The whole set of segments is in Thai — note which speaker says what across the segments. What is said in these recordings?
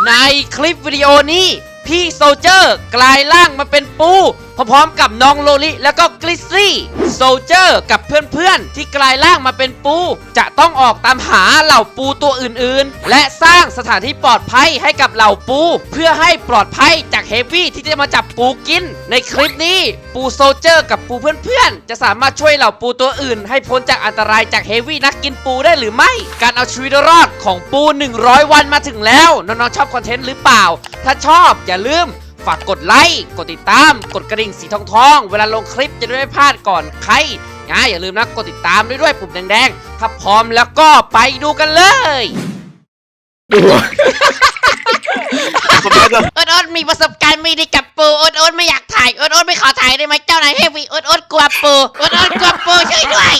Speaker 1: ในคลิปวิดีโอนี้พี่โซลเจอร์กลายร่างมาเป็นปูพร้อมๆกับน้องโลลิแล้วก็กลิซซี่โซลเจอร์กับเพื่อนๆที่กลายร่างมาเป็นปูจะต้องออกตามหาเหล่าปูตัวอื่นๆและสร้างสถานที่ปลอดภัยให้กับเหล่าปูเพื่อให้ปลอดภัยจากเฮฟวี่ที่จะมาจับปูกินในคลิปนี้ปูโซลเจอร์กับปูเพื่อนๆจะสามารถช่วยเหล่าปูตัวอื่นให้พ้นจากอันตรายจากเฮฟวี่นักกินปูได้หรือไม่การเอาชีวิตรอดของปู100 วันมาถึงแล้วน้องๆชอบคอนเทนต์หรือเปล่าถ้าชอบอย่าลืมฝากกดไลค์กดติดตามกดกระดิ่งสีทองเวลาลงคลิปจะได้ไม่พลาดก่อนใครอย่าลืมนะกดติดตามด้วยปุ่มแดงๆถ้าพร้อมแล้วก็ไปดูกันเลยโอ๊ตมีประสบการณ์ไม่ดีกับปูโอ๊ตไม่อยากถ่ายโอ๊ตไม่ขอถ่ายได้ไหมเจ้านายเฮฟวี่โอ๊ตกลัวปูโอ๊ตกลัวปูช่วยด้วย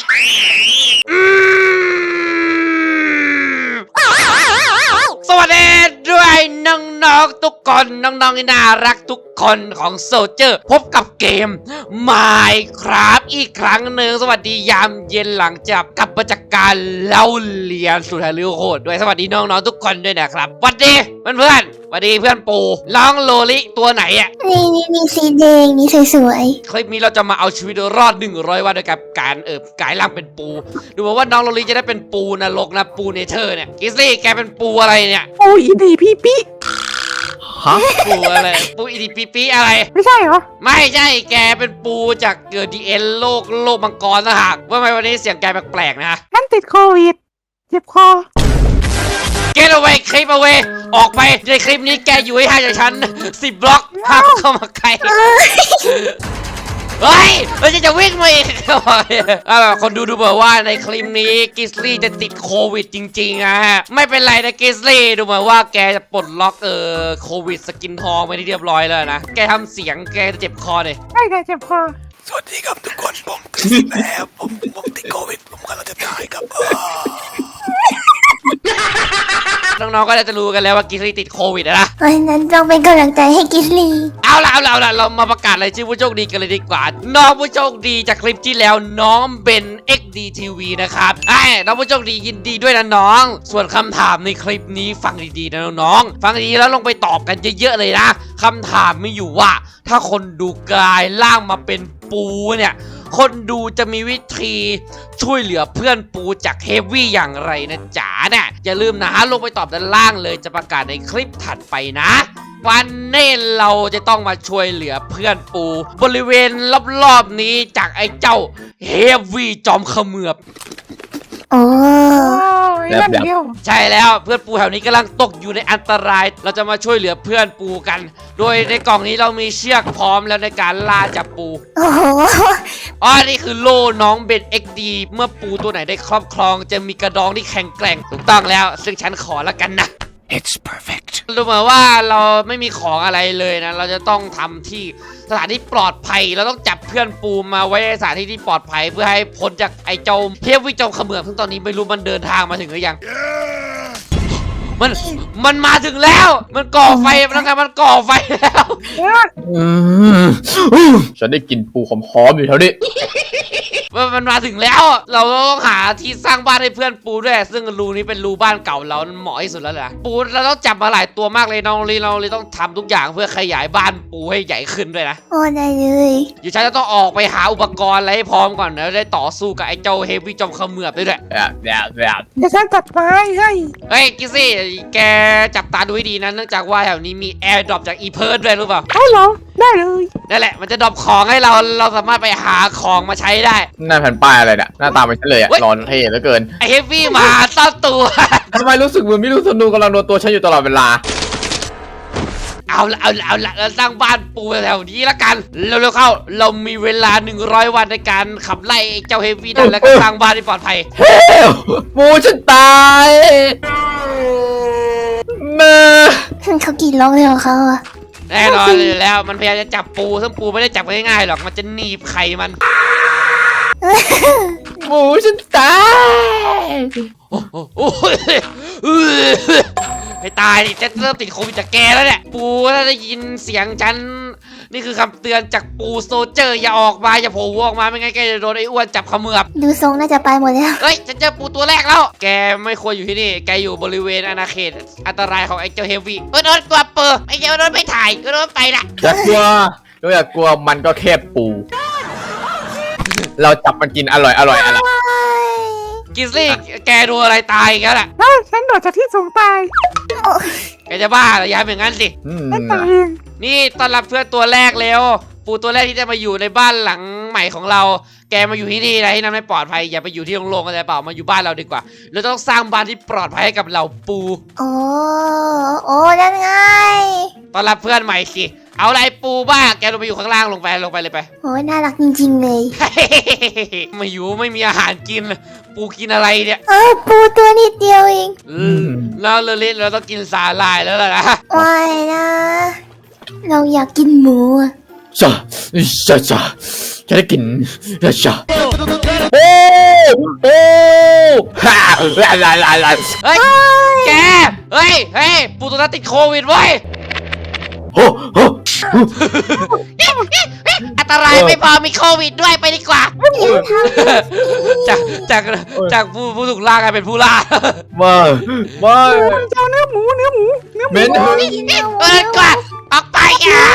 Speaker 1: สวัสดีด้วยน้องๆทุกคนน้องๆที่น่ารักทุกคนของโซลเจอร์พบกับเกม Minecraft อีกครั้งหนึ่งสวัสดียามเย็นหลังจากกลับมาจากการเล่าเรียนสุดฮาริโหดด้วยสวัสดีน้องๆทุกคนด้วยนะครับสวัสดีเพื่อนสวัสดีเพื่อนปูน้องโลลิตัวไหนอ่ะ
Speaker 2: นี่สีแดงนี่สวย
Speaker 1: คลิปนี้เราจะมาเอาชีวิตรอด100 วันด้วยกับการกลายร่างเป็นปูดูเหมือนว่าน้องโลลิจะได้เป็นปูนรกนะปูเนเธอร์เนี่ยกิซลี่แกเป็นปูอะไรเนี่ย
Speaker 3: ปูอีดีพี่ปิ๊
Speaker 1: ฮะปูอะไรปูอีดีปีอะไร
Speaker 3: ไม่ใช่เหรอ
Speaker 1: ไม่ใช่แกเป็นปูจากเกิดดีเอ็นโลกมังกรนะฮะว่าไมวันนี้เสียงแกแปลกๆนะ
Speaker 3: นั่นติดโควิดเจ็บคอ
Speaker 1: Get away คลิป away ออกไปในคลิปนี้แกอยู่ให้ห่างจากฉัน10 บล็อกห้ามเข้ามาใกล้เฮ้ยเราจะวิ่งมาอีกคนดูเหมือนว่าในคลิปนี้กิสลี่จะติดโควิดจริงๆนะฮะไม่เป็นไรนะกิสลี่ดูเหมือนว่าแกจะปลดล็อกโควิดสกินทองไปที่เรียบร้อยแล้วนะแกทำเสียงแกจะเจ็บคอเลย
Speaker 3: ใช่เจ็บคอ
Speaker 4: สวัสดีครับทุกคนผมคริสแล้วผมติดโควิดผมกำลังจะตายครับ
Speaker 1: น้องๆก็จะรู้กันแล้วว่ากิสลี่ติดโควิดนะ
Speaker 2: เพราะฉะนั้นต้องเป็นกำลังใจให้กิสลี่
Speaker 1: เอาล่ะเรามาประกาศรายชื่อผู้โชคดีกันเลยดีกว่าน้องผู้โชคดีจากคลิปที่แล้วน้องเบน XD TV นะครับน้องผู้โชคดียินดีด้วยนะน้องส่วนคำถามในคลิปนี้ฟังดีๆนะน้องๆฟังดีแล้วลงไปตอบกันเยอะๆเลยนะคำถามไม่อยู่ว่าถ้าคนดูกลายร่างมาเป็นปูเนี่ยคนดูจะมีวิธีช่วยเหลือเพื่อนปูจากเฮฟวี่อย่างไรนะจ๋าเนี่ยอย่าลืมนะลงไปตอบด้านล่างเลยจะประกาศในคลิปถัดไปนะวันนี้เราจะต้องมาช่วยเหลือเพื่อนปูบริเวณรอบๆนี้จากไอ้เจ้าเฮฟวี่จอมเขมือบ
Speaker 2: โอ้
Speaker 1: ใช่แล้วเพื่อนปูแถวนี้กำลังตกอยู่ในอันตรายเราจะมาช่วยเหลือเพื่อนปูกันโดยในกล่องนี้เรามีเชือกพร้อมแล้วในการล่าจับปูนี่คือโล่น้องเบน XD เมื่อปูตัวไหนได้ครอบครองจะมีกระดองที่แข็งแกร่งถูกต้องแล้วซึ่งฉันขอแล้วกันนะ
Speaker 4: It's perfect
Speaker 1: ดูเหมือนว่าเราไม่มีของอะไรเลยนะเราจะต้องทำที่สถานที่ปลอดภัยเราต้องจับเพื่อนปูมาไว้ในสถานที่ที่ปลอดภัยเพื่อให้พ้นจากไอ้เจ้าเฮฟวี่จอมเขมือบซึ่งตอนนี้ไม่รู้มันเดินทางมาถึงหรือยังมันมาถึงแล้วมันก่อไฟมันก่อไฟแล้ว
Speaker 5: ฉันได้กลิ่นปูหอมๆอยู่แถวนี้
Speaker 1: มันมาถึงแล้วเราต้องหาที่สร้างบ้านให้เพื่อนปูด้วยซึ่งรูนี้เป็นรูบ้านเก่าเราเหมาะที่สุดแล้วแหละปูเราต้องจับมาหลายตัวมากเลยน้องเราเลยต้องทำทุกอย่างเพื่อขยายบ้านปูให้ใหญ่ขึ้นด้วยนะ
Speaker 2: โอ้ได้เลย
Speaker 1: อยู่ฉันจะต้องออกไปหาอุปกรณ์อะไรให้พร้อมก่อนแล้วได้ต่อสู้กับไอ้เจ้าเฮฟวี่จอมเขมือบด้วย
Speaker 3: เดี๋ยวฉันตัดไม้ให้
Speaker 1: เฮ้ยกิซี่แกจับตาดูให้ดีนะเนื่องจากว่าแถวนี้มีแอร์ดรอปจากอีเพิร์ดด้วยรู้เปล่า
Speaker 3: เหรอได้เลย
Speaker 1: นั่นแหละมันจะดรอปของให้เราสามารถไปหาของมาใช้ได้
Speaker 5: หน้าแผ่นป้ายอะไรเนี่ยหน้าตาไม่ใช่เลยร้อนเท่เหลือเกิน
Speaker 1: ไอเฮฟวี่มาซ่อนตัว
Speaker 5: ทำไมรู้สึกเหมือนไม่รู้สนุกกำลังโดนตัวฉันอยู่ตลอดเวลา
Speaker 1: เอาละเราสร้างบ้านปูแถวนี้ละกันเร็วๆเข้าเรามีเวลา100 วันในการขับไล่เจ้าเฮฟวี่นั่นแล้วก็สร้างบ้านที่ปลอดภัย
Speaker 5: ปูฉันตายมา
Speaker 2: เขากี่ล็อกเลยของเขาอะ
Speaker 1: แน่นอนเลยแล้วมันพยายามจะจับปูซึ่งปูไม่ได้จับง่ายๆหรอกมันจะหนีบไข่มัน
Speaker 5: ปูฉันตาย
Speaker 1: ให้ตายจะเริ่มติดโควิดจากแกแล้วเนี่ยปูถ้าได้ยินเสียงฉันนี่คือคำเตือนจากปูโซเจอร์อย่าออกมาอย่าโผล่หัวออกมาไม่งั้นแกจะโดนไอ้อ้วนจับเขมือบ
Speaker 2: ดูทรงน่าจะไปหมดแล้ว
Speaker 1: เฮ้ยฉันเจอปูตัวแรกแล้ว แกไม่ควรอยู่ที่นี่แกอยู่บริเวณอาณาเขตอันตรายของไอ้เจ้าเฮฟวี่โดนตัวเปิดไอ้เจ้าโดนไม่ถ่ายก็โดนไปละ
Speaker 5: อย่ากลัวอย่ากลัวมันก็แค่ปู เราจับมันกินอร่อยอะไร
Speaker 1: กิซลี่แกดูอะไรตายอีกันล่ะ
Speaker 3: เฮ้ยฉันโดดจากที่สูงตาย
Speaker 1: แกจะบ้าเหรออย่าทำอย่างนั้นสิ
Speaker 3: ฉันตายเอง
Speaker 1: นี่ต้อนรับเพื่อนตัวแรกเร็วปูตัวแรกที่จะมาอยู่ในบ้านหลังใหม่ของเรา แกมาอยู่ที่นี่นะที่นั่นไม่ปลอดภัยอย่าไปอยู่ที่โล่งๆกันเลยเปล่ามาอยู่บ้านเราดีกว่าเราต้องสร้างบ้านที่ปลอดภัยให้กับเราปู
Speaker 2: โอ้นั่นไง
Speaker 1: ต้อนรับเพื่อนใหม่สิเอาอะไรปูบ้าแกลงไปอยู่ข้างล่างลงไปเลยไป
Speaker 2: โอ้น่ารักจริงๆเลย
Speaker 1: มาอยู่ไม่มีอาหารกินปูกินอะไรเนี่ย
Speaker 2: ปูตัวนิดเดียวเอง
Speaker 1: แล้วเราต้องกินสาหร่ายแล้วล่ะนะ
Speaker 2: ไม่นะ เราอยากกินหมูอะ
Speaker 5: จ้าจะได้กินจ้าโอ้ฮ่า
Speaker 1: เฮ้ยแกเฮ้ยปูตัวนั้นติดโควิดเว้ย
Speaker 5: โอ้โห
Speaker 1: อันตรายไม่พอมีโควิดด้วยไปดีกว่า จากผู้ถูกล่ากลายเป็นผู้ล่า
Speaker 5: มา
Speaker 3: เจ้าเนื้อหมู
Speaker 5: เม้น
Speaker 1: กว่าออกไปอ่ะ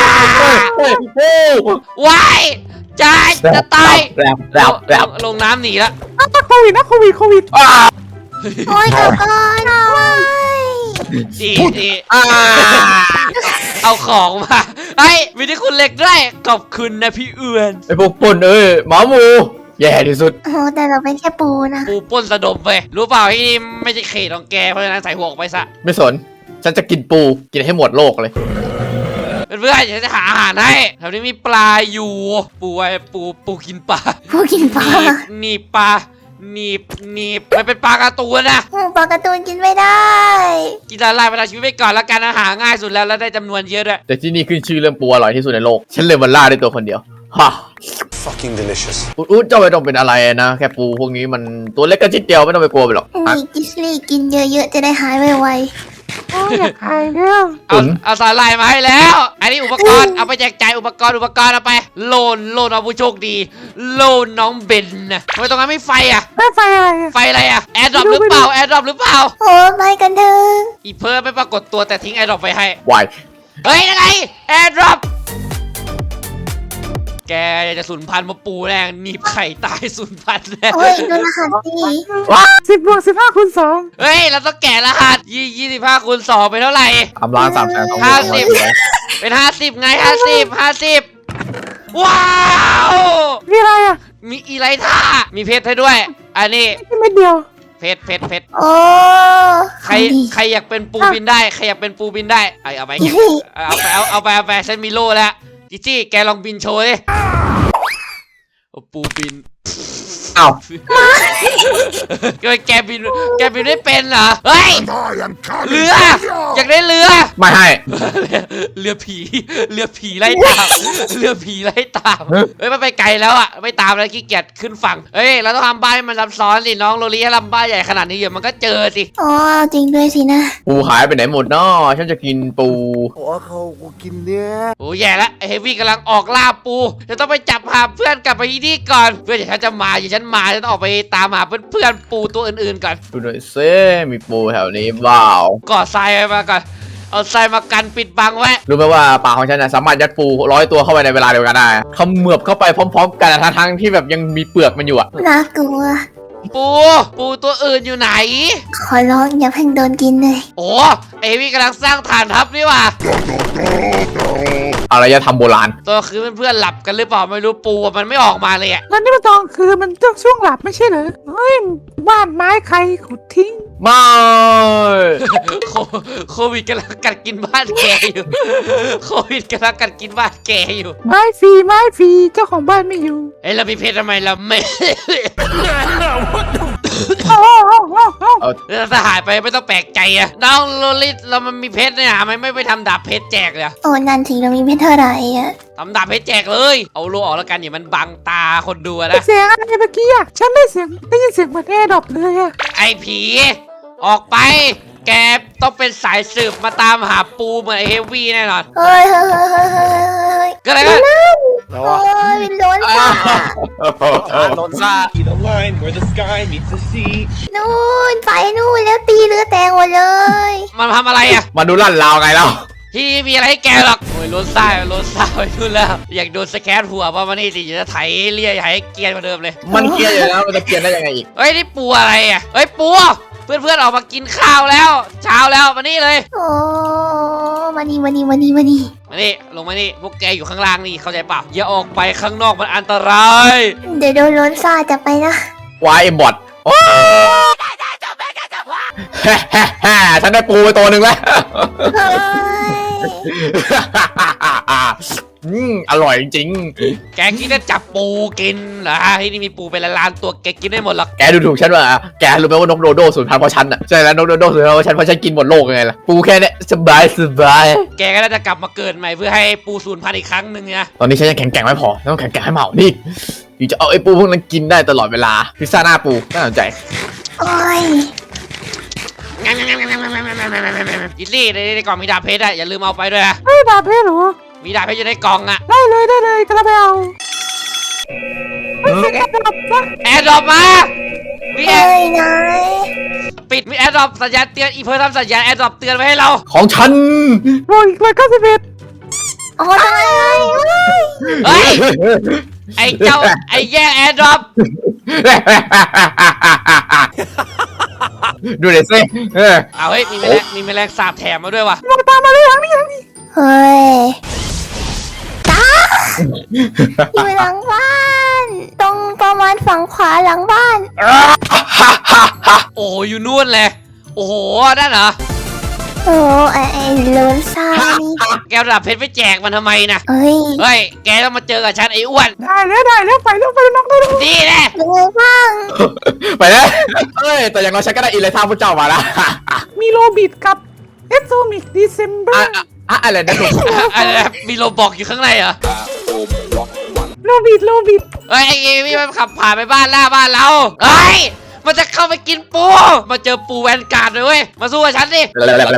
Speaker 1: วายจะตาย
Speaker 5: แบบ
Speaker 1: ลงน้ำหนีแล้ว
Speaker 3: โควิดนะโควิด
Speaker 2: โอ้ยขอก่อนว้าย
Speaker 1: ดีเอาของมาไอ้มีที่คุณเล็กด้วยขอบคุณนะพี่เอือน
Speaker 5: ไอพวกปนหมาหมูแย่ที่สุด
Speaker 2: โอ้แต่เราเป็นแค่ปูนะ
Speaker 1: ปูป้นสะดมไปรู้เปล่าที่นี่ไม่ใช่เขตของแกเพราะฉะนั้นใส่หัวออกไปซะ
Speaker 5: ไม่สน ฉันจะกินปูกินให้หมดโลกเลย
Speaker 1: เพื่อนๆฉันจะหาอาหารให้แถวนี้มีปลาอยู่ปูกินปลา
Speaker 2: ปูกินปลา
Speaker 1: หนีบปลาหนีบมันเป็นปลาการ์ตูนนะ
Speaker 2: ปลาการ์ตูนกินไม่ได้
Speaker 1: กินละลายประทังชีวิตไปก่อนแล้วกันอาหารง่ายสุดแล้วได้จำนวนเยอะด้วย
Speaker 5: แต่ที่นี่ขึ้นชื่อเรื่องปูอร่อยที่สุดในโลก ฉันเลยมันล่าได้ตัวคนเดียวฮ่า
Speaker 4: fucking delicious
Speaker 5: อุ๊ดเจ้าไม่ต้องเป็นอะไรนะแค่ปูพวกนี้มันตัวเล็กกระจิดเดียวไม่ต้องไปกลัวไปหรอก
Speaker 2: นี่กิสลี่กินเยอะๆจะได้หายไว
Speaker 3: โอ้ยอยากหายแล้ว
Speaker 1: เอาสาหร่ายมาให้แล้ว อันนี้อุปกรณ์เอาไปแจกจ่ายอุปกรณ์เอาไปโลนเอาผู้โชคดีโลนน้องเบนนะทำไมตรงนั้นไม่ไฟอ่ะ
Speaker 3: ไม่ไฟอะไรอะ
Speaker 1: ไฟอะไรอ่ะแอร์ดรอปหรือเปล่า
Speaker 2: ๆโอ้ไปกันเถอะ
Speaker 1: อีเพิร์ไม่ปรากฏตัวแต่ทิ้งแอร์ดรอปไปให้
Speaker 5: วาย
Speaker 1: เฮ้ยยังไงแอร์ดรอปแกจะสูญพันธุ์มาปูแรงหนีบไข่ตายสูญพันธุ์แน่
Speaker 2: โอ้ยดูรหัสสิ
Speaker 3: 10 บวก 15 คูณ 2
Speaker 1: เฮ้ยเราต้องแกะรหัส25 คูณ 2เป็นเท่าไหร่
Speaker 5: 3,300,000
Speaker 1: เป็น50ไง50ว้าว
Speaker 3: มีอะไรอ่ะ
Speaker 1: มีอีไลท่ามีเพชรให้ด้วย อันนี้
Speaker 3: นี่ไม่เดียว
Speaker 1: เพชร
Speaker 2: โอ้
Speaker 1: ใครอยากเป็นปูบินได้ใครอยากเป็นปูบินได้เอาไปเอาไปฉันมีโล่แล้วจิจี้แกลองบินโชว์ดิปูบิน
Speaker 5: อ้าว
Speaker 1: แกบินไม่เป็นเหรอเฮ้ยเรืออยากได้เรือ
Speaker 5: ไม่ให้
Speaker 1: เรือผีไล่ตามเฮ้ยมันไปไกลแล้วอ่ะไม่ตามแล้วขี้เกียจขึ้นฝั่งเฮ้ยเราต้องทำบ้านให้มันซับซ้อนสิน้องโรลี่ถ้าทำบ้านใหญ่ขนาดนี้เดี๋ยวมันก็เจอสิ
Speaker 2: อ๋อจริงด้วยสินะ
Speaker 5: ปูหายไปไหนหมดน้อฉันจะกินปู
Speaker 4: โอ้เขากูกินเนื้อ
Speaker 1: โอ้แย่ละไอ้เฮฟวี่กำลังออกล่าปูจะต้องไปจับหาเพื่อนกลับไปที่นี่ก่อนเพื่อนเดี๋ยวฉันจะมาฉันต้องออกไปตามหาเพื่อนปูตัวอื่นๆก่อน
Speaker 5: ดูหน่อยซิมีปูแถวนี้เปล่า
Speaker 1: ก่อทรายมาก่อนเอาทรายมากันปิดบังไว้
Speaker 5: รู้ไหมว่าปากของฉันนะสามารถยัดปู100 ตัวเข้าไปในเวลาเดียวกันได้เขมือบเข้าไปพร้อมๆกันทั้งที่แบบยังมีเปลือกมันอยู่อะ
Speaker 2: น่ากลัว
Speaker 1: ปูตัวอื่นอยู่ไหน
Speaker 2: ขอร้องอย่าเพิ่งโดนกินเลย
Speaker 1: โอ้เอวี่กำลังสร้างฐานทัพนี่ว่ะ
Speaker 5: อะไรจะทำโบราณ
Speaker 1: ตัวคือเพื่อนๆหลับกันหรือเปล่าไม่รู้ปูมันไม่ออกมาเลยอ่ะ
Speaker 3: แล้วนี่มันตอนคือมันต้องช่วงหลับไม่ใช่เหรอเฮ้ยบ้านไม้ใครขุดทิ้ง
Speaker 5: ไม่
Speaker 1: โควิดกำลังกัดกินบ้านแกอยู่โควิดกำลังกัดกินบ้านแกอยู่
Speaker 3: ไม้ฟรีเจ้าของบ้านไม่อยู่
Speaker 1: เฮ้ยเรามีเพชรทำไมเราไม่
Speaker 3: โอ้โห
Speaker 1: ถ้าหายไปไม่ต้องแปลกใจอะน้องโลลิตเรามันมีเพชรเนี่ยทำไมไม่ไปทำดาบเพชรแจกเลยอะ
Speaker 2: โอ้นั่นทีเรามีเพชรเท่าไหร่อะ
Speaker 1: ทำดาบเพชรแจกเลยเอาโลออกแล้วกันอย่ามันบังตาคนดูอะนะ
Speaker 3: เสียงอะไรเมื่อกี้อ่ะฉันได้ยินเสียงเหมือนแอร์ดรอปเลยอ่ะ
Speaker 1: ไอ้ผีออกไปแกต้องเป็นสายสืบมาตามหาปูเหมือนไอ้เฮฟวี่แน่นอน
Speaker 2: เฮ้ย
Speaker 1: ก็อะไรกัน
Speaker 2: โอ้ยเป็นล้นซ่า
Speaker 6: โดนซ่า
Speaker 7: The line where the sky meets the sea.
Speaker 2: นู่นไปนู่นแล้วตีเรือแตงหมดเลย
Speaker 1: มันทำอะไรอ่ะ
Speaker 5: มาดูลั่นลาวไงแล้ว
Speaker 1: ที่มีอะไรให้แกหรอกโอ้ยล้นซ่าไปนู่นแล้วอยากโดนสแกนหัวป่ะมานี่สิจะไถเลี่ยให้เกรียนกว่าเดิมเลย
Speaker 5: มันเกลียดอยู่แล้วมันจะเกลียดได้ยังไงอีก
Speaker 1: เฮ้ยนี่ปูอะไรอ่ะเฮ้ยปูเพื่อนๆออกมากินข้าวแล้ว เช้าแล้วมานี่เลย
Speaker 2: โอ้มานี่
Speaker 1: มานี่ลงมานี่พวกแกอยู่ข้างล่างนี่เข้าใจเปล่าอย่าออกไปข้างนอกมันอันตราย
Speaker 2: เดี๋ยวโดนล้นซ่าจะไปนะ
Speaker 5: วายบอทโอ้ฉันได้ปูไปตัวหนึ่งแล้ว
Speaker 2: เฮ้ย
Speaker 5: อร่อยจริง
Speaker 1: แกคิดจะจับปูกินเหรอที่นี่มีปูเป็นล้านๆตัวแกกินได้หมดหรอก
Speaker 5: แกดูถูกฉันว่าแกรู้ไหมว่านกโดโดสูญพันธุ์เพราะฉันอ่ะใช่แล้วนกโดโดสูญพันธุ์เพราะฉันกินหมดโลกไงล่ะปูแค่เนี้ยสบาย
Speaker 1: แกก็น่าจะกลับมาเกิดใหม่เพื่อให้ปูสูญพันธุ์อีกครั้งหนึ่งนะ
Speaker 5: ตอนนี้ฉันยังแข็งแกร่งไม่พอต้องแข็งแกร่งให้เหมานี่อยู่จะเอาไอ้ปูพวกนั้นกินได้ตลอดเวลาพิซซ่าหน้าปูน่าสนใจ
Speaker 2: โอ้ย
Speaker 1: กินลี่ในกล่องมีดาบเพชรอะอย่าลืมเอาไปด้วยนะ
Speaker 3: เฮ้ยดาบเพชรเหรอ
Speaker 1: มีดาบเพชรอยู่ในกล่องอะ
Speaker 3: ได้เลยกระไปเอาไม่ใช่แอปดับนะ
Speaker 1: แอร์ดรอปมามีแอ
Speaker 2: เฮ้
Speaker 1: ร์
Speaker 2: ยนาย
Speaker 1: ปิดมีแอร์ดรอปสัญญาณเตือนอีเพิร์ททำสัญญาณแอร์ดรอปเตือนไว้ให้เรา
Speaker 5: ของฉัน
Speaker 3: โอ้ยอีก191
Speaker 2: โอ้นาย
Speaker 1: เฮ้ยไอ้เจ้าไอ้แย่งแอร์ดรอป
Speaker 5: ดูเด็ดสิ
Speaker 1: เอาเฮ้ยมีแมลงสาบแถมมาด้วยว่ะ
Speaker 3: มองตามมาเลยทางนี้
Speaker 2: เฮ้ยตาอยู่หลังบ้านตรงประมาณฝั่งขวาหลังบ้าน
Speaker 1: โอ้อยู่นู่นเลยโอ้โหนั่นเหรอ
Speaker 2: โอ้ไอ้ล้นซ่านี่
Speaker 1: แกเอาดาบเพชรไปแจกมันทำไมนะ
Speaker 2: เฮ้ย
Speaker 1: เฮ้ยแกต้องมาเจอกับฉันไอ้อ้วน
Speaker 3: ได้แล้วไปน้องได้แล้ว
Speaker 1: ดีแน่
Speaker 2: เป็นไงบ้าง
Speaker 5: ไปแล้วเอ้ยแต่อย่างน้อยฉันก็ได้อินเลยท่าพระเจ้ามาแล้ว
Speaker 3: มีโรบิดกับเอสโซมิกดีเซมเบอร์
Speaker 5: อะไรนะหนู
Speaker 1: อะไรนะมีโลบอกอยู่ข้างในเหรอ
Speaker 3: โรบิด
Speaker 1: เฮ้ยไอ้พี่มันขับผ่านไปบ้านเราเฮ้ยมันจะเข้าไปกินปูมาเจอปูแวนการ์ดเลยเว้ยมาสู้กับฉันดิ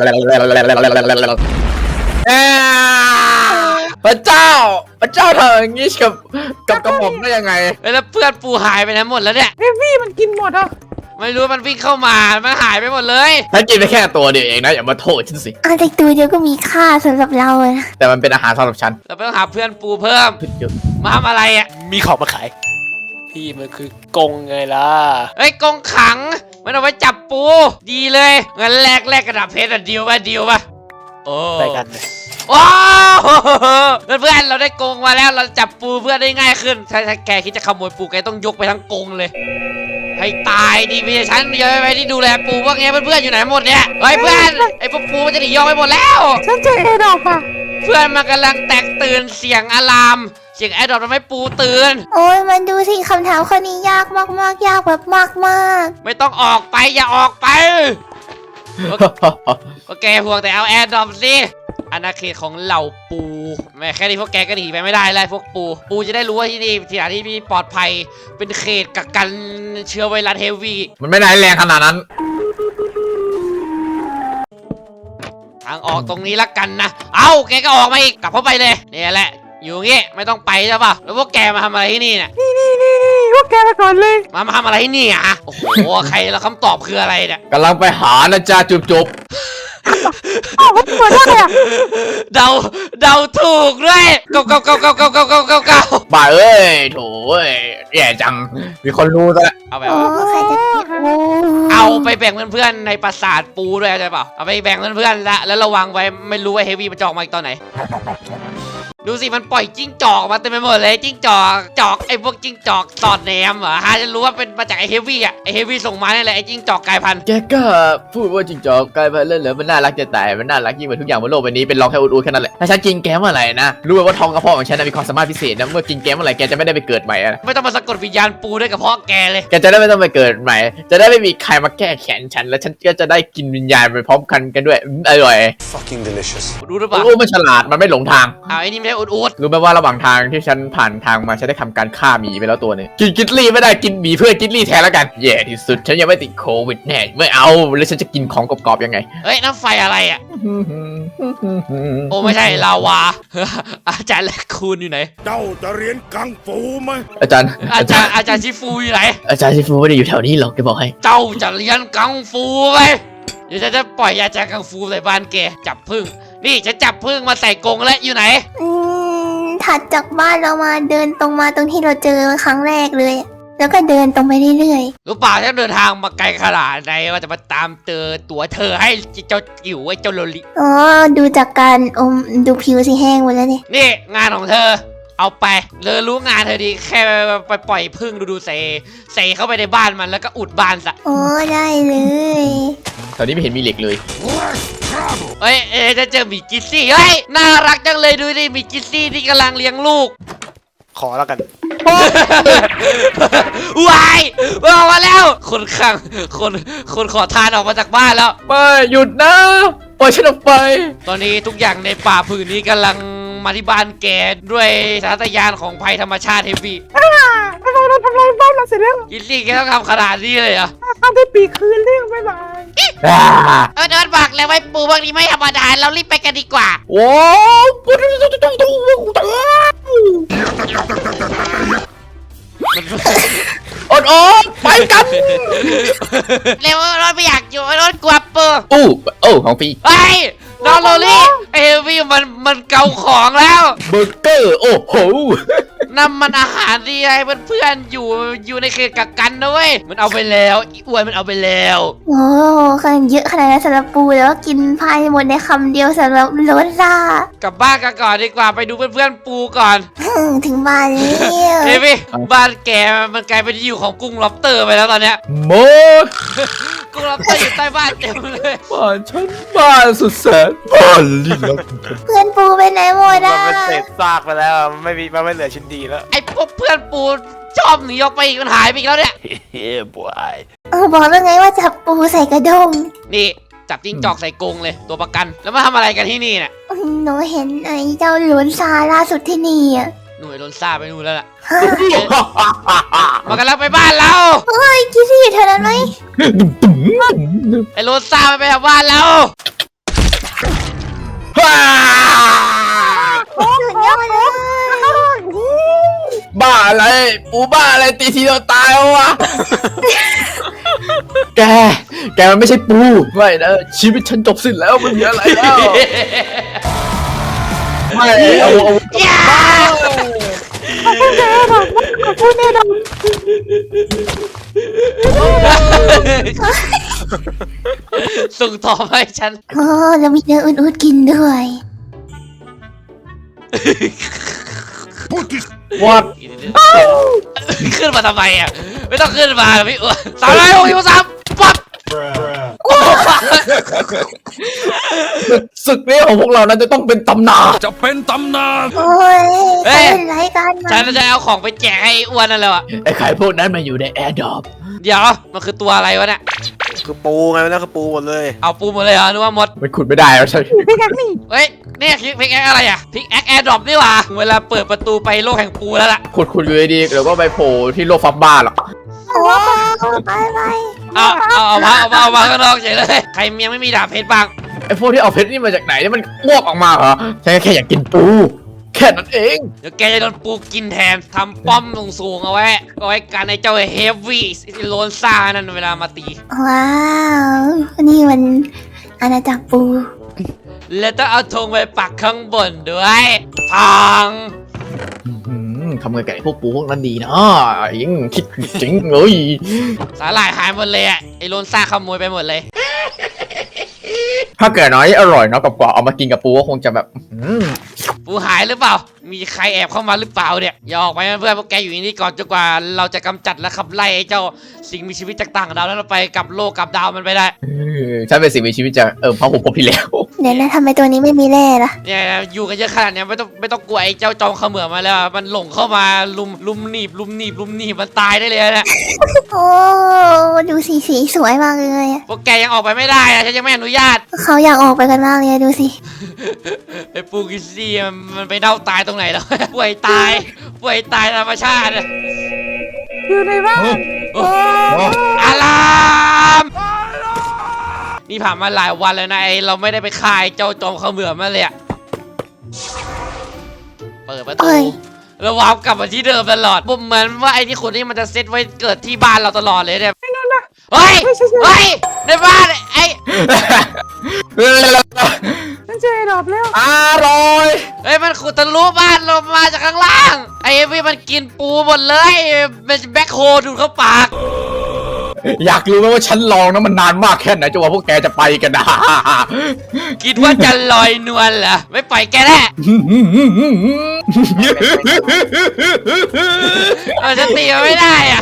Speaker 5: พระเจ้าเธออย่างงี้กับกระหม่อมได้ยังไง
Speaker 1: เฮ้ยแล้วเพื่อนปูหายไปไหนหมดแล้วเนี่ย
Speaker 3: เอฟวี่มันกินหมดอ่ะ
Speaker 1: ไม่รู้มันวิ่งเข้ามามันหายไปหมดเลย
Speaker 5: ฉันกินไปแค่ตัวเดียวเองนะอย่ามาโทษฉันสิ
Speaker 2: เอาแต่ตัวเดียวก็มีค่าสำหรับเราอะนะ
Speaker 5: แต่มันเป็นอาหารสำหรับฉัน
Speaker 1: เราไปต้องหาเพื่อนปูเพิ่มมาทำอะไรอ่ะ
Speaker 6: มีของมาขาย พี่มันคือกงไงล่ะ
Speaker 1: เฮ้ยกรงขังมันเอาไว้จับปูดีเลยงั้นแลกกระดาษเพชรอะดีลป่ะโอ้
Speaker 6: ไปกัน
Speaker 1: ว้าว เพื่อนเราได้กรงมาแล้วเราจับปูเพื่อนได้ง่ายขึ้นถ้าแกคิดจะขโมยปูแกต้องยกไปทั้งกรงเลยให้ตายดิพี่ฉันเยอะไปที่ดูแลปูพวกนี้เพื่อนอยู่ไหนหมดเนี่ยเฮ้ยเพื่อนไอ้พวกปูมันจะหนียอกไปหมดแล้ว
Speaker 3: ฉันเจอเอดอกอ่ะ
Speaker 1: เพื่อนมันกำลังแตกตื่นเสียงอะลามเสียงแอร์ดรอปทำให้ปูตื่น
Speaker 2: โอ้ยมันดูสิคำถามข้อนี้ยากมากยากแบบมาก
Speaker 1: ไม่ต้องออกไปอย่าออกไปก็แกห่วงแต่เอาแอร์ดรอปสิอาณาเขตของเหล่าปูแม่แค่นี้พวกแกก็หนีไปไม่ได้เลยพวกปูจะได้รู้ว่าที่นี่ที่ไหนที่มีปลอดภัยเป็นเขตกักกันเชื้อไวรัสเฮฟวี่
Speaker 5: มันไม่ได้แรงขนาดนั้น
Speaker 1: ทางออกตรงนี้ละกันนะเอ้าแกก็ออกมาอีกกลับเข้าไปเลยเนี่ยแหละอยู่งี้ไม่ต้องไปใช่ป่ะแล้วพวกแกมาทำอะไรที่นี่เนี่ย
Speaker 3: นี่พวกแกไปก่อนเลย
Speaker 1: มาทำอะไรที่นี่อ่ะโอ้โหใครแล้วคำตอบคืออะไรเนี่ย
Speaker 5: กำลังไปหานะจ๊ะจุบ
Speaker 3: อ้าวมันเปิดได้อ่ะ
Speaker 1: เดาถูกด้วยเก้า
Speaker 5: บ่าเอ้ยโถเอ้ยแย่จังมีคนรู้ซะแล้ว
Speaker 1: เอาไป
Speaker 2: ๆโอ้ใครจะคิดโอ้
Speaker 1: เอาไปแบ่งเพื่อนๆในปราสาทปูด้วยใช่เปล่าเอาไปแบ่งเพื่อนๆแล้วระวังไว้ไม่รู้ว่าเฮฟวี่มันจะออกมาอีกตอนไหนดูสิมันปล่อยจิ้งจอกมาเต็มไปหมดเลยจิ้งจอกไอ้พวกจิ้งจอกสอดแนมเหรอฮะจะรู้ว่าเป็นมาจากไอ้เฮฟวี่อ่ะไอ้เฮฟวี่ส่งมาเนี่ยแหละไอ้จิ้งจอกกลายพันธุ์
Speaker 5: แกก็พูดว่าจริงจอกกลายพันธุ์เล่นเหรอมันน่ารักจะตายมันน่ารักยิ่งกว่าทุกอย่างบนโลกใบนี้เป็นรองแค่อูดๆแค่นั้นแหละถ้าฉันกินแกเมื่อไหร่นะรู้ไหมว่าท้องกระเพาะของฉันมีความสามารถพิเศษนะเมื่อกินแกเมื่อไหร่แกจะไม่ได้ไปเกิดใหม่นะ
Speaker 1: ไม่ต้องมาสะกดวิญญาณปูด้วยกับพ่อแกเลย
Speaker 5: แกจะได้ไม่ต้องไปเกิดใหม่จะได้ไม่มีใครมาแก้แค้นฉันแล้วฉันก็จะได้กินวิญญาณไปพร้อมกันด้วยอร่อย
Speaker 4: fucking delicious
Speaker 1: รู้หรือเปล่า
Speaker 5: รู้มันฉลาดมันไม่หลงทาง
Speaker 1: เอาไอ้นี่ไม่ใช่อุด
Speaker 5: รู้ไหมว่าระหว่างทางที่ฉันผ่านทางมาฉันได้ทำการฆ่าหมีไปแล้วตัวหนึงกินกิตลี่ไม่ได้กินหมีเพื่อกิตลี่แทนแล้วกันแย่ที่สุดฉันยังไม่ติดโควิดแน่ไม่เอาแล้วฉันจะกินของกรอบๆยังไง
Speaker 1: เฮ้ยน้ำไฟอะอะไรอ่ะ โอ้ไม่ใช่ลาวา อาจารย์แลคคูนอยู่ไหน
Speaker 7: เจ้าจะเรียนกังฟูไหม
Speaker 5: อาจารย์
Speaker 1: อาจารย์ชิฟูอยู่ไหน
Speaker 5: อาจารย์ชิฟูไม่ได้อยู่แถวนี้หรอกแกบอกให้
Speaker 1: เจ้าจะเรียนกังฟูไหมเดี๋ยวฉันจะปล่อยอาจารย์กังฟูใส่บ้านแกจับพึ่งนี่ฉันจับพึ่งมาใส่กรงแล้วอยู่ไหน
Speaker 2: ถัดจากบ้านเรามาเดินตรงมาตรงที่เราเจอครั้งแรกเลย แล้วก็เดินตรงไปเรื่อย
Speaker 1: รู้เปล่าฉันเดินทางมาไกลขนาดไหนว่าจะมาตามเจอตัวเธอให้เจ้าจิ๋วไอ้เจ้าโลลิ
Speaker 2: ๆอ๋อดูจากการดูผิวสิแห้งหมดแล้วเนี่ย
Speaker 1: นี่งานของเธอ เอาไปเลยรู้งานเธอดีแค่ไปปล่อยพึ่งดูใส่เข้าไปในบ้านมันแล้วก็อุดบ้านซะ
Speaker 2: โอ้ได้เลย
Speaker 5: แถวนี้ไม่เห็นมีเหล็กเลย
Speaker 1: เอ้ยจะเจอหมีกิซซี่เฮ้ยน่ารักจังเลยดูดิหมีกิซซี่ที่กำลังเลี้ยงลูก
Speaker 6: ขอแล้วกัน
Speaker 1: วายออกมาแล้วคนขังคนขอทานออกมาจากบ้านแล้ว
Speaker 5: ไม่หยุดนะปล่อยฉันออกไป
Speaker 1: ตอนนี้ทุกอย่างในป่าผืนนี้กำลังมาที่บ้านแกด้วยสารยานของภัยธรรมชาติเฮฟวี่
Speaker 3: ทำไมเราทำลายบ้านเราเสร็จแล้ว
Speaker 1: กิซซี่แกต้องทำขนาดนี้เลยเหรอ
Speaker 3: ทำได้ปีกคืนเรื่องบ๊ายบาย
Speaker 1: เดินบอกเลยไว้ปูพวกนี้ไม่ธรรมดาเรารีบไปกันดีกว่า
Speaker 5: โอ้อดไปกัน
Speaker 1: เร็วรถไม่อยากอยู่รถกลัวปู
Speaker 5: โอ้ของฟรี
Speaker 1: เฮ้ยน้องโรลี่เฮฟวี่มันเกาของแล้ว
Speaker 5: เบอร์เกอร์โอ้โห
Speaker 1: นั่นมันอาหารที่ให้เพื่อนๆอยู่ในเขตกักกันนะเว้ยมันเอาไปแล้วอีอ้วนมันเอาไปแล้ว
Speaker 2: โอ้ขนาดเยอะขนาดนั้นสำหรับปูแล้วกินภายในหมดในคำเดียวสำหรับโรซ่าก
Speaker 1: ลับบ้านกันก่อนดีกว่าไปดูเพื่อนๆปูก่อน
Speaker 2: ถึงบ้านแล้ว
Speaker 1: เฮฟวี่บ้านแกมันกลายเป็นที่อยู่ของกุ้งล็อบสเตอร์ไปแล้วตอนเนี้ย
Speaker 5: โม
Speaker 1: กุ้งล็อบสเตอร์อยู่ใต้บ้านเต็มเลย
Speaker 5: บ้านฉันบ้านสุดแสนบ้านลิ้นลับ
Speaker 2: เพื่อนปูไปไหนหมด
Speaker 6: มั
Speaker 2: อ่ะ
Speaker 6: นเป็นเศษซากไปแล้วมันไม่เหลือชิ้นดีแล้ว
Speaker 1: ไอ้พวกเพื่อนปูชอบหนีออกไปอีกมันหายไปอีกแล้วเนี่ย
Speaker 4: เฮ้ยบวย
Speaker 2: บอกแล้วไงว่าจับปูใส่กระด้ง
Speaker 1: นี่จับจิ้งจอกใส่กรงเลยตัวประกันแล้วมาทำอะไรกันที่นี่เนี่ย
Speaker 2: หนูเห็นไอ้เจ้าหลวนซาล่าสุดที่นี่อ่ะ
Speaker 1: หน่วยโดนซ่าไปนู่นแล้วล่ะ
Speaker 2: ฮะ
Speaker 1: มากันแล้วไปบ้านเรา
Speaker 2: เฮ้ยคิดที่อยู่แถวนั้นไหม
Speaker 1: ไอ้โรซ่าไปทำบ้านเรา
Speaker 2: สุดยอดเลย
Speaker 5: บ้าอะไรปูบ้าอะไรตีทีเราตายวะ แกมันไม่ใช่ปูไม่นะชีวิตฉันจบสิ้นแล้วมันมีอะไรแล้วไม่เอา
Speaker 1: อย่า
Speaker 3: พูดแน่นอน
Speaker 1: ส่งต่อมาให้ฉัน
Speaker 2: โอ้แล้วมีเนื้ออุ่นๆกินด้วย
Speaker 5: วัด
Speaker 1: ขึ้นมาทำไมอ่ะไม่ต้องขึ้นมาพี่อ้วน363ปั๊บ
Speaker 5: ศึกนี้ของพวกเรานั้นจะต้องเป็นตำนาน
Speaker 7: จะเป็นตำนาน
Speaker 2: โอ้ยเป็นไรกันมา
Speaker 1: ฉันจะเอาของไปแจกให้อ้วนนั่นแหละ
Speaker 5: ไอ้ไข่พวกนั้นมาอยู่ในแอร์ดรอป
Speaker 1: เดี๋ยวมันคือตัวอะไรวะเนี่ย
Speaker 6: คือปูไงนั่นคือปูหมดเลย
Speaker 1: เอาปูหมดเลยเหรอนึกว่าหมด
Speaker 5: มันขุดไม่ได้แล้วใช่
Speaker 3: พี่แกนี่
Speaker 1: เฮ้ยเนี่ยพิกแอคอะไรอ่ะพิกแอคแอร์ดรอปนี่หว่าเวลาเปิดประตูไปโลกแห่งปูแล้วล่ะ
Speaker 5: ขุดอยู่ดีๆเดี๋ยวก็ไปโผล่ที่โลกฟับบ้าหรอก
Speaker 2: โอ้ไป
Speaker 1: เอามาข้างนอกเฉยเลยใครยังไม่มีดาบเพชรบ้าง
Speaker 5: ไอ้พวกที่เอาเพชรนี่มาจากไหนนี่มันอ้วกออกมาเหรอฉันแค่อยากกินปูแค่นั้นเอง
Speaker 1: เดี๋ยวแกจะโดนปูกินแทนทำป้อมสูงๆเอาไว้กันไอ้เจ้าเฮฟวี่โลนซ่านั่นเวลามาตี
Speaker 2: ว้าวนี่มันอาณาจักรปู
Speaker 1: แล้วต้องเอาธงไปปักข้างบนด้วยทอง
Speaker 5: ทำไงกับไอ้พวกปูพวกนั้นดีนะยังคิดจริงเลย
Speaker 1: สาหร่ายหายหมดเลยอ่ะไอ้โลนซ่าขโมยไปหมดเลย
Speaker 5: ถ้าเกิดน้อยอร่อยเนาะกับกว่าเอามากินกับปูก็คงจะแบบ
Speaker 1: ปูหายหรือเปล่า มีใครแอบเข้ามาหรือเปล่าเนี่ยอย่าออกไปนะเพื่อนพวกแกอยู่ที่นี่ก่อนจนกว่าเราจะกำจัดและขับไล่ไอ้เจ้าสิ่งมีชีวิตจากต่างดาวนั้นไปกับโลกกับดาวมันไปได้
Speaker 5: ฉันเป็นสิ่งมีชีวิตจะพระหุพบที่แล้ว
Speaker 2: เดี๋ยวนะทำไมตัวนี้ไม่มีแร่ล่ะ
Speaker 1: เนี่ยอยู่กันเยอะขนาดเนี้ยไม่ต้องกลัวไอ้เจ้าจอมเขมือบมาแล้วมันหลงเข้ามาลุมหนีบมันตายได้เลยนะ
Speaker 2: โอ้ดูสีสวยมากเลยอะ
Speaker 1: พวกแกยังออกไปไม่ได้นะฉันยังไม่อนุญาต
Speaker 2: เขาอยากออกไปกันมากเลยอะดูสิ
Speaker 1: ไอ้ปูกิซี่มันไปเน่าตายตรงไหนแล้ว ป่วยตายธรรมชาติ
Speaker 3: อยู่ในบ้าน
Speaker 1: อารามนี่ผ่านมาหลายวันแล้วนะเราไม่ได้ไปคายเจ้าจอมเขมือบมาเลยอะเปิดประตูแล้ววาร์ปกลับมาที่เดิมตลอดผมเหมือนว่าไอ้ที่คนนี้มันจะเซตไว้เกิดที่บ้านเราตลอดเลยเนี่ยเฮ้ยในบ้านไอ้
Speaker 3: นั่นเจอดอบแล้ว
Speaker 5: อร่อย
Speaker 1: เฮ้ยมันขุดทะลุบ้านลงมาจากข้างล่างไอ้พี่มันกินปูหมดเลยมันแบ็คโฮดูดเข้าปาก
Speaker 5: อยากรู้ไหมว่าฉันลองนะมันนานมากแค่ไหนจนว่าพวกแกจะไปกันนะ
Speaker 1: คิดว่าจะลอยนวลเหรอไม่ปล่อยแกแน่จะตีมันไม่ได้อะ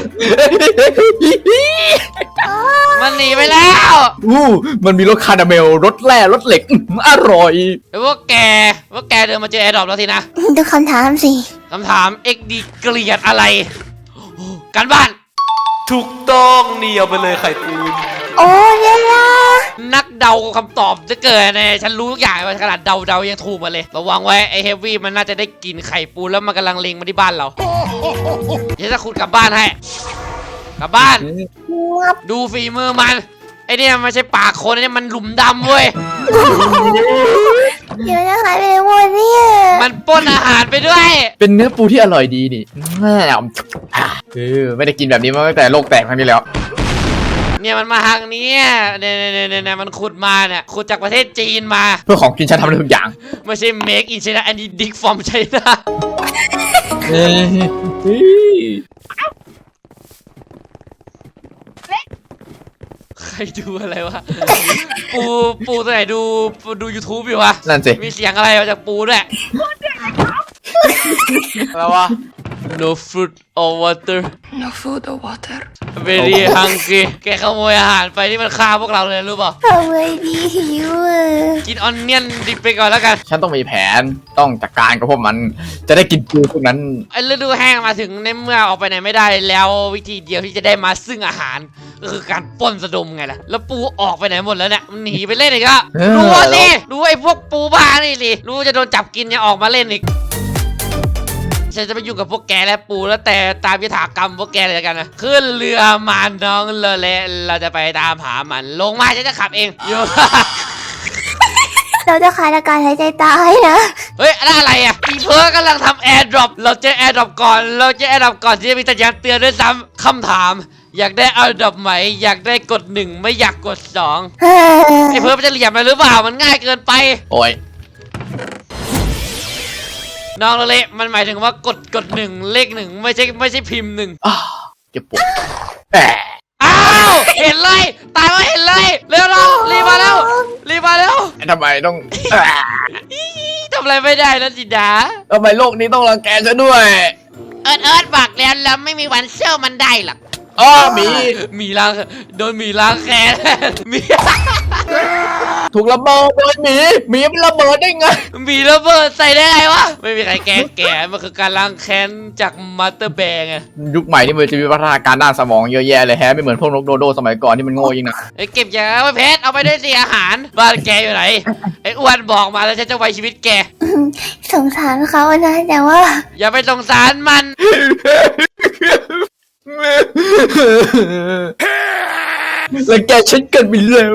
Speaker 1: มันหนีไปแล้ว
Speaker 5: มันมีรถคาราเมลรถแร่รถเหล็กอร่อย
Speaker 1: ไอ้พวกแกเดินมาเจอแอร์ดรอปแล้วสินะ
Speaker 2: ดูคำถามสิ
Speaker 1: คำถาม XD เกลียดอะไรการบ้าน
Speaker 6: ถูกต้องนี่เอาไปเลยไข่ปูน
Speaker 2: โอ้ยยา
Speaker 1: นักเดาคำตอบจะเกิดเนี่ยฉันรู้ทุกอย่างขนาดเดายังถูกมาเลยระวังไว้ไอ้เฮฟวี่มันน่าจะได้กินไข่ปูแล้วมันกำลังเล็งมาที่บ้านเราเดี๋ยวจะขุดกลับบ้านให้กลับบ้าน
Speaker 2: งับ
Speaker 1: ดูฝีมือมันไอเนี่ยไม่ใช่ปากคนไอเนี่ยมันหลุมดำเว้ย
Speaker 2: เดี๋ยวจะหายไปไหนหมดเนี่ย
Speaker 1: มันปล้นอาหารไปด้วย
Speaker 5: เป็นเนื้อปูที่อร่อยดีนี่ไม่ได้กินแบบนี้มาตั้งแต่โลกแตกครั้งที่แล้ว
Speaker 1: เนี่ยมันมาทางนี้เนี่ยมันขุดมาเนี่ยขุดจากประเทศจีนมา
Speaker 5: เพื่อของกินฉันทำได้ทุกอย่าง
Speaker 1: ไม่ใช่ make in China อันนี้ dig from China ใครดูอะไรวะ ปูตัวไหนดู YouTube อยู่วะ
Speaker 5: นั่นสิ
Speaker 1: มีเสียงอะไรมาจากปูด้วย
Speaker 6: อะไรวะ
Speaker 1: No food or water
Speaker 8: No food or water.
Speaker 1: very hungry แกขโมยอาหารไปที่มันฆ่าพวกเราเลยรู้เปล่า
Speaker 2: ทำไงดีหิวอ่ะ
Speaker 1: กินออนเนียนดิบไปก่อนแล้วกัน
Speaker 5: ฉันต้องมีแผนต้องจัดการกับพวกมันจะได้กินปูพวกนั้น
Speaker 1: ไอ้ฤดูแห้งมาถึงในเมื่อออกไปไหนไม่ได้แล้ววิธีเดียวที่จะได้มาซึ่งอาหารก็คือการปล้นสะดมไงล่ะแล้วปูออกไปไหนหมดแล้วเนี่ยมันหนีไปเล่นอีกแล้วรู้ว่าสิรู้ไอ้พวกปูบ้านี่สิรู้จะโดนจับกินยังออกมาเล่นอีกฉันจะไปอยู่กับพวกแกและปูแล้วแต่ตามยถากรรมพวกแกเลยกันนะขึ้นเรือมาน้องเลยเราจะไปตามหามันลงมาฉันจะขับเองอยู่
Speaker 2: เราจะขาดอากาศหายใจตายนะ
Speaker 1: เฮ้ยอะไรอ่ะอีเพิร์กำลังทำแอร์ดรอปเราเจอแอร์ดรอปก่อนที่จะมีสัญญาณเตือนด้วยซ้ำคำถามอยากได้แอร์ดรอปไหมอยากได้กด1ไม่อยากกด2ไอ้เพิร์กมันจะเหลี่ยมไปหรือเปล่ามันง่ายเกินไป
Speaker 5: โอ้ย
Speaker 1: น้องเละมันหมายถึงว่ากด1เลข1ไม่ใช่พิมพ์1
Speaker 5: เจ็บปวดแหม
Speaker 1: อ้าวเห็นเลยตายแล้วเห็นเลยเร็วเรารีบมาแล้ว
Speaker 5: ทำไมต้อง
Speaker 1: ทำอะไรไม่ได้แล้วจิดา
Speaker 5: ทำไมโลกนี้ต้องรังแกฉันด้วย
Speaker 1: เอิร์ดบอกแล้วเราไม่มีวันเชื่อมันได้หรอก
Speaker 5: อ้อหมี
Speaker 1: มีล้างโดนมีล้างแค้น มี
Speaker 5: ถูกระเบิดโดยหมีมันระเบิดได้ไง
Speaker 1: มีระเบิดใส่ได้ไงวะไม่มีใครแก้แก่มันคือการล้างแค้นจากมาสเตอร์แบงไง
Speaker 5: ยุคใหม่นี่มันจะมีพัฒนาการด้านสมองเยอะแยะเลยแฮะไม่เหมือนพวกนกโดโดสมัยก่อนที่มันโง่ยิ่งนะ
Speaker 1: ไอ้เก็บยาไว้เพชรเอาไปด้วยสิอาหารบ้านแกอยู่ไหนไอ้อ้วนบอกมาแล้วฉันจะไว้ชีวิตแก
Speaker 2: สงสารเขานะแต่ว่า
Speaker 1: อย่าไปสงสารมัน
Speaker 5: แล้วแกฉันเกินไปแล้ว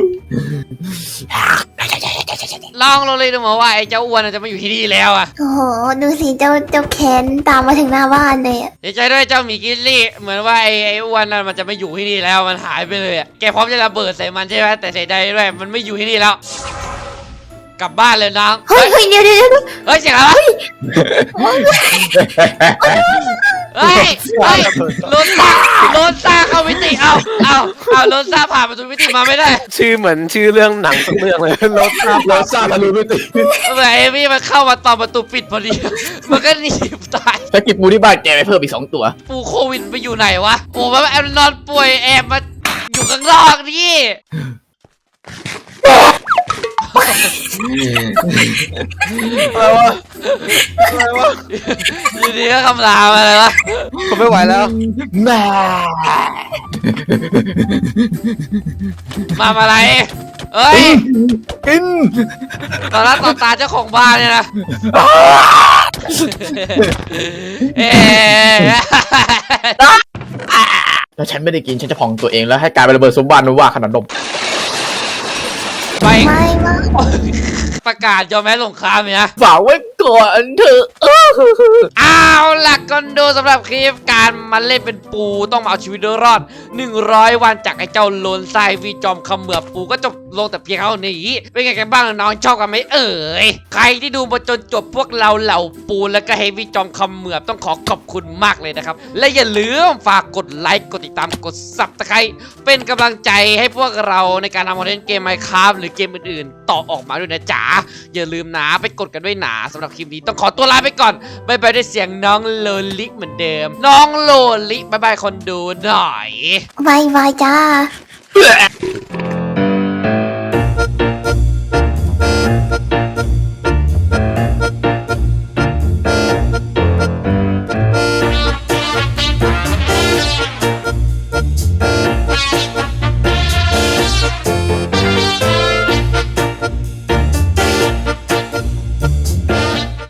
Speaker 1: ลองเราเลยดูมาว่าไอ้เจ้าอ้วนจะมาอยู่ที่นี่แล้วอ่ะ
Speaker 2: โอ้โหดูสิเจ้าแคนตามมาถึงหน้าบ้านเลยอ่ะ
Speaker 1: ดีใจด้วยเจ้าหมีกิลลี่เหมือนว่าไอ้อ้วนนั่นมันจะไม่อยู่ที่นี่แล้วมันหายไปเลยอ่ะแกพร้อมจะระเบิดใส่มันใช่ไหมแต่เสียดายด้วยมันไม่อยู่ที่นี่แล้ว กลับบ้านเลยน้อง
Speaker 2: เฮ้ยเดี๋ยว
Speaker 1: เฮ้ยเสียงอะไรวะเฮ้ยโลนซ่าเข้ามิติเอาโลนซ่าผ่านประตูมิติมาไม่ได้
Speaker 6: ชื่อเหมือนชื่อเรื่องหนังสักเรื่องเลยรถครับ
Speaker 5: เราสร้างทะลุมิติ
Speaker 1: แต่เอมี่มันเข้ามาตอนประตูปิดพอดี มันก็หนีตาย
Speaker 5: ถ้ากิบปูที่บ้านแกไปเพิ่มอีก2 ตัว
Speaker 1: ปูโควิดไปอยู่ไหนวะโอ้มันแอบนอนป่วยแอบมาอยู่ข้างนอกนี่
Speaker 6: อะไรวะ
Speaker 1: อยู่ดีก็คำรามอะไรวะ
Speaker 6: ผมไม่ไหวแล้ว
Speaker 5: แม่
Speaker 1: มาอะไรเอ้ย
Speaker 5: กิน
Speaker 1: ตอนนั้นต่อตาเจ้าของบ้านเนี่ยนะเอ๊ะ
Speaker 5: ถ้าฉันไม่ได้กินฉันจะพองตัวเองแล้วให้กลายเป็นระเบิดสมบัติว่าขนาดนม
Speaker 1: ไป
Speaker 2: ไม่ไม่
Speaker 1: ประกาศยอมแพ้สงครามเนี่ย
Speaker 5: ฝากไว้ก่อนเถอะ
Speaker 1: เอาล่ะก็ดูสำหรับคลิปการมาเล่นเป็นปูต้องมาเอาชีวิตรอด 100 วันจากไอ้เจ้าโลนทรายวีจอมเขมือบปูก็จบลงแต่เพียงเท่านี้เป็นไงกันบ้างน้องชอบกันไหมเอ่ยใครที่ดูมาจนจบพวกเราเหล่าปูแล้วก็เฮฟวี่จอมเขมือบต้องขอขอบคุณมากเลยนะครับและอย่าลืมฝากกดไลค์กดติดตามกดซับสไครต์เป็นกำลังใจให้พวกเราในการทำคอนเทนต์เกม Minecraft หรือเกมอื่นๆต่อออกมาด้วยนะจ๊ะอย่าลืมนะไปกดกันด้วยนะสำหรับคลิปนี้ต้องขอตัวลาไปก่อนบายบายด้วยเสียงน้องโลลิเหมือนเดิมน้องโลลิบายบายคนดูหน่อย
Speaker 2: บายบายจ้า